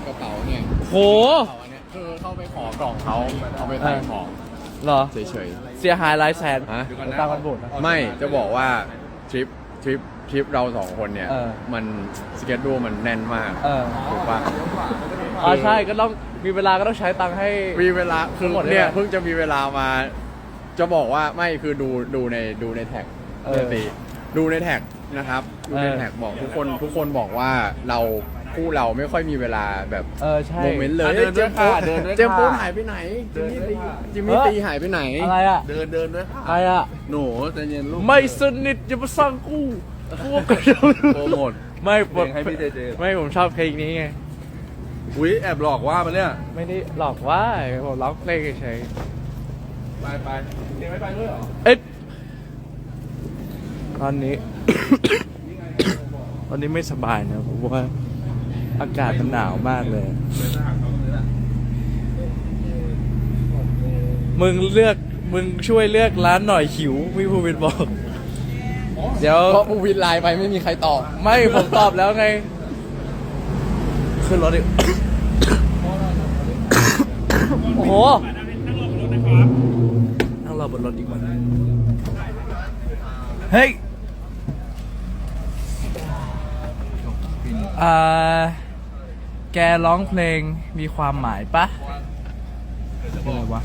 กระเป๋าเนี่ยโหกระเป๋าอันเนี้ยคือเข้าไปขอกล่องเขาเอาไปใส่ของเหรอเฉยเสียหายหลายแสนๆฮะตามกันบูดนะไม่จะบอกว่าทริปเราสองคนเนี่ยเออมันสเกจดูมันแน่นมาก ถูกปะใช่ก็ต้องมีเวลาก็ต้องใช้ตังค์ให้มีเวลาคือหมดเลยเนี่ยอะเพิ่งจะมีเวลามา จะบอกว่าไม่คือดูในแท็กเออเนี่ยสิดูในแท็กนะครับดูในแท็กบอกทุกคนบอกว่าคู่เราไม่ค่อยมีเวลาแบบใช่โมเมนต์เลยเดินด้วยค่ะเดินด้วยเจมส์โป๊ค่ะหายไปไหนจิมมี่ตีหายไปไหนอะไรอ่ะเดินด้วยค่ะอะไรอ่ะหนูใจเย็นลูกไม่สนิทอย่ามาสร้างกูก็โปรโมทไม่เพลงให้พี่เจเจไม่ผมชอบเพลงนี้ไงอุ้ยแอบหลอกว่ามันเนี่ยไม่ได้หลอกว่าผมร้องเพลงเฉยไปเจไม่ไปด้วยเหรอเอ๊ะตอนนี้ ตอนนี้ไม่สบายนะเพราะว่าอากาศมันหนาวมากเลย มึงช่วยเลือกร้านหน่อยหิวพี่ภูวินบอก เดี๋ยวเพราะผู้วินไลน์ไปไม่มีใครตอบไม่ผมตอบแล้วไง ขึ้นรถดิ โอ้โห นั่งรอบนรถดีกว่าเฮ้ย แกร้องเพลงมีความหมายปะอะไรวะ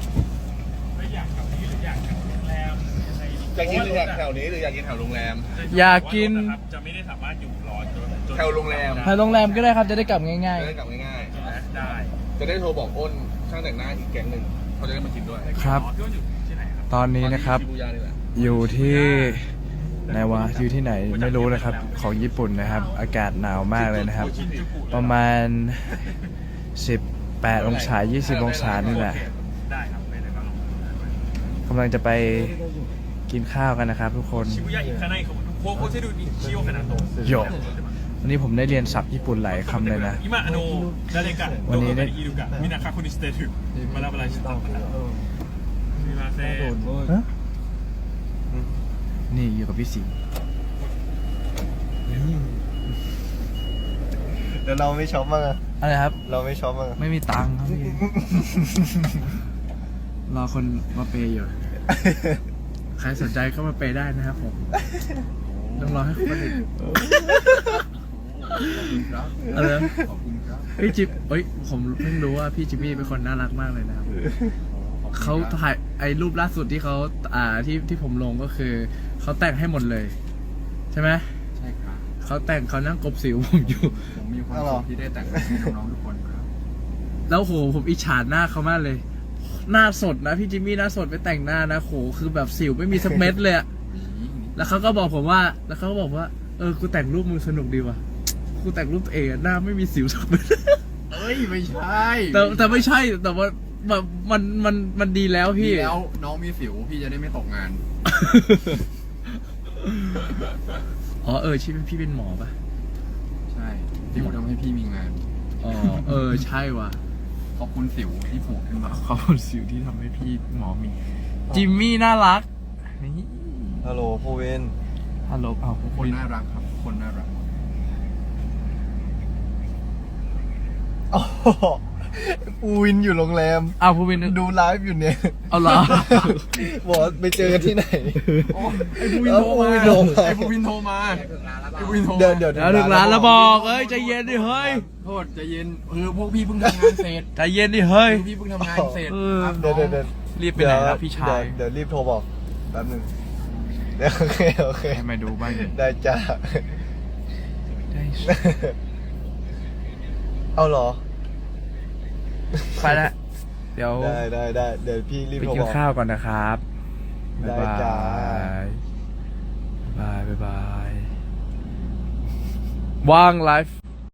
อยากกินหรืออยากแถวนี้หรืออยากกินแถวโรงแรมอยากกินจะไม่ได้สามารถอยู่รอจนแถวโรงแรมไปโรงแรมก็ได้ครับจะได้กลับง่ายจะได้กลับง่ายได้ๆจะได้โทรบอกอ้นช่างแต่งหน้าอีกแก๊งหนึ่งเขาจะได้มากินด้วยๆ ครับพี่ว่าอยู่ที่ไหนครับตอนนี้นะครับชิบูย่านี่แหละอยู่ที่ไหนวะอยู่ที่ไหนไม่รู้นะครับของญี่ปุ่นนะครับ อากาศหนาวมากเลยนะครับ ประมาณ 18 องศา 20 องศานี่แหละได้ครับไปเลยครับกำลังจะไปกินข้าวกันนะครับทุกคนชิบุย่าอิคาไนเขาโคเซดูนิชิโอคานาโตะโยวันนี้ผมได้เรียนศัพท์ญี่ปุ่นหลายคำเลยนะอิมาอโนดาเรกะวันนี้ได้อิรุกะมินาคาคุนิสเตถึมาลาบาลาชิตะมีมาเซ่ฮะนี่อยู่กับพี่สิงห์เดี๋ยวเราไม่ช็อปมั้างอะอะไรครับเราไม่ช็อปมั้างอะไม่มีตังค์ครับพี่ รอคนมาเปย์อยู่ ใครสนใจก็มาเปย์ได้นะครับผม ต้องรอให้คนอื่นอะไรนะขอบคุณครับพี่จิ๊บผมเพิ่งรู้ว่าพี่จิมมี่เป็นคนน่ารักมากเลยนะครับ เขาถ่ายไอ้รูปล่าสุดที่เขาที่ผมลงก็คือเขาแต่งให้หมดเลย ใช่ไหมใช่ครับเขาแต่งเขานั่งกบสิวผมอยู่ผมมีความสุขที่ได้แต่งให้น้องๆทุกคนครับแล้วโหผมอิจฉาหน้าเขามากเลย หน้าสดนะพี่จิมมี่หน้าสดไปแต่งหน้านะโหคือแบบสิวไม่มีสักเม็ดเลยอะแล้วเขาก็บอกผมว่ากูแต่งรูปมึงสนุกดีว่ะกูแต่งรูปตัวเองอะหน้าไม่มีสิวสักเม็ดเฮ้ยไม่ใช่แต่ไม่ใช่แต่ว่าแบบมันดีแล้วพี่พี่แล้วน้องมีสิวพี่จะได้ไม่ตกงานอ๋อใช่พี่เป็นหมอปะใช่สิวทำให้พี่มีงานอ๋อใช่ว่ะขอบคุณสิวที่ผูกขึ้นมาขอบคุณสิวที่ทำให้พี่หมอมี จิมมี่น่ารักนี่ฮัลโหลโพเวนฮัลโหลคนน่ารักครับ คนน่ารักอ๋ออูวินอยู่โรงแรมผู้วินดูไลฟ์อยู่เนี่ยเอาเหรอบอกว่าไปเจอกันที่ไหนไอ้บูวินโทรมาโทรมาไอ้บูวินโทรมาไอ้บูวินโทรมาเดี๋ยวเดี๋ยวถึงร้านแล้วบอกใจเย็นดิเฮ้ยโทษใจเย็นพวกพี่เพิ่งทำงานเสร็จใจเย็นดิเฮ้ยพวกพี่เพิ่งทำงานเสร็จเออครับเดี๋ยวรีบไปไหนนะพี่ชายเดี๋ยวรีบโทรบอกแป๊บหนึงเดี๋ยวโอเคให้มาดูบ้างดิได้จ้าได้เอาเหรอไปละเดี๋ยวได้เดี๋ยวพี่รีบไปโทรกิบนอกข้าวก่อนนะครับได้บ๊ายบาจ้ายบ๊ายบายว่างไลฟ์